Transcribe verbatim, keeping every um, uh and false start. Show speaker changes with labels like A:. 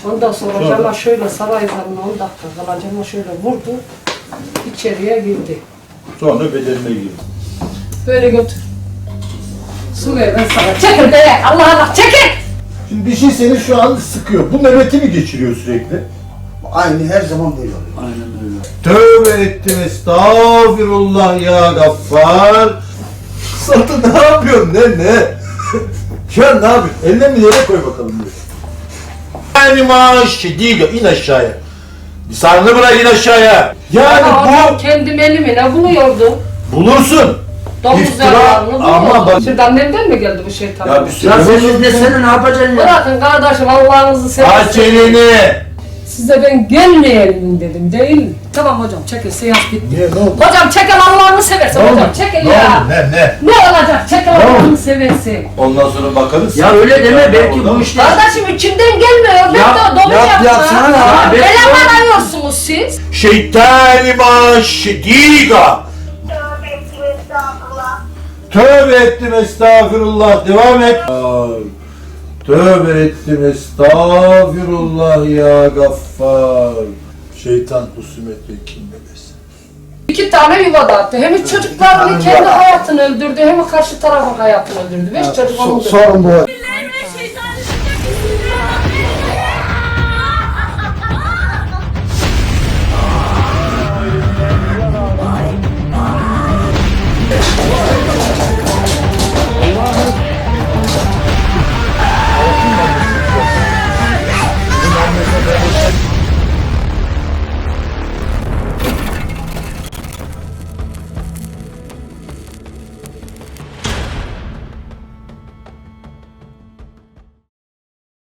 A: Ondan sonra, sonra. Cama şöyle saray zamına on dakika kala cama şöyle vurdu. İçeriye girdi.
B: Sonra bedenine girdi.
A: Böyle götür. Su ver ben sana. Çekil be! Allah Allah çekil!
B: Şimdi bir şey seni şu an sıkıyor. Bu nöbeti mi geçiriyor sürekli?
C: Aynı her zaman böyle oluyor.
B: Aynen öyle. Tövbe ettim, estağfirullah ya Gaffar. Satı ne yapıyorsun, ne ne? Ya ne yapıyorsun? Eline mi yere koy bakalım diyor. Yani maaş değil, in aşağıya. Lisanını bırak, in aşağıya. Yani
A: Ama
B: bu...
A: kendim elimi ne buluyordu?
B: Bulursun.
A: Domuz
B: İftira,
A: yararını
B: ama
A: buluyordu.
B: bak-
A: Şimdi annemden mi geldi bu şeytan?
B: Ya bir sürü...
D: Ya senin desene ne yapacaksın ya?
A: Bırakın kardeşim Allah'ınızı seversen.
B: Aç elini.
A: Size ben gelmeyelim dedim değil mi? Tamam hocam çekil seans bitti.
B: Niye, ne oldu?
A: Hocam çekil Allah'ını seversen
B: Ne
A: hocam
B: oldu?
A: çekil
B: Ne
A: ya.
B: oldu? Ne ne?
A: Ne olacak çekil
B: Ne
A: Allah'ını
B: oldu?
A: seversen.
B: Ondan sonra bakarız.
D: Ya öyle deme,
B: Ya
D: belki
B: orada-
D: bu işler...
A: Kardeşim içimden gelmiyor. Ben
D: Yap,
A: de domuz
D: yap,
A: yapma.
D: yapsana ya.
A: Ya,
D: Ben-
A: Eleman arıyorsunuz siz.
B: Şeytani maaş diga. Tövbe ettim estağfurullah. Devam et. Ay, tövbe ettim estağfurullah ya Gaffar. Şeytan husumet ve kin bebesin.
A: İki tane yuva dağıttı. Hem çocuklarını kendi hayatını öldürdü hem karşı tarafın hayatını öldürdü. Beş çocuk onu
C: Sorun bu hocam.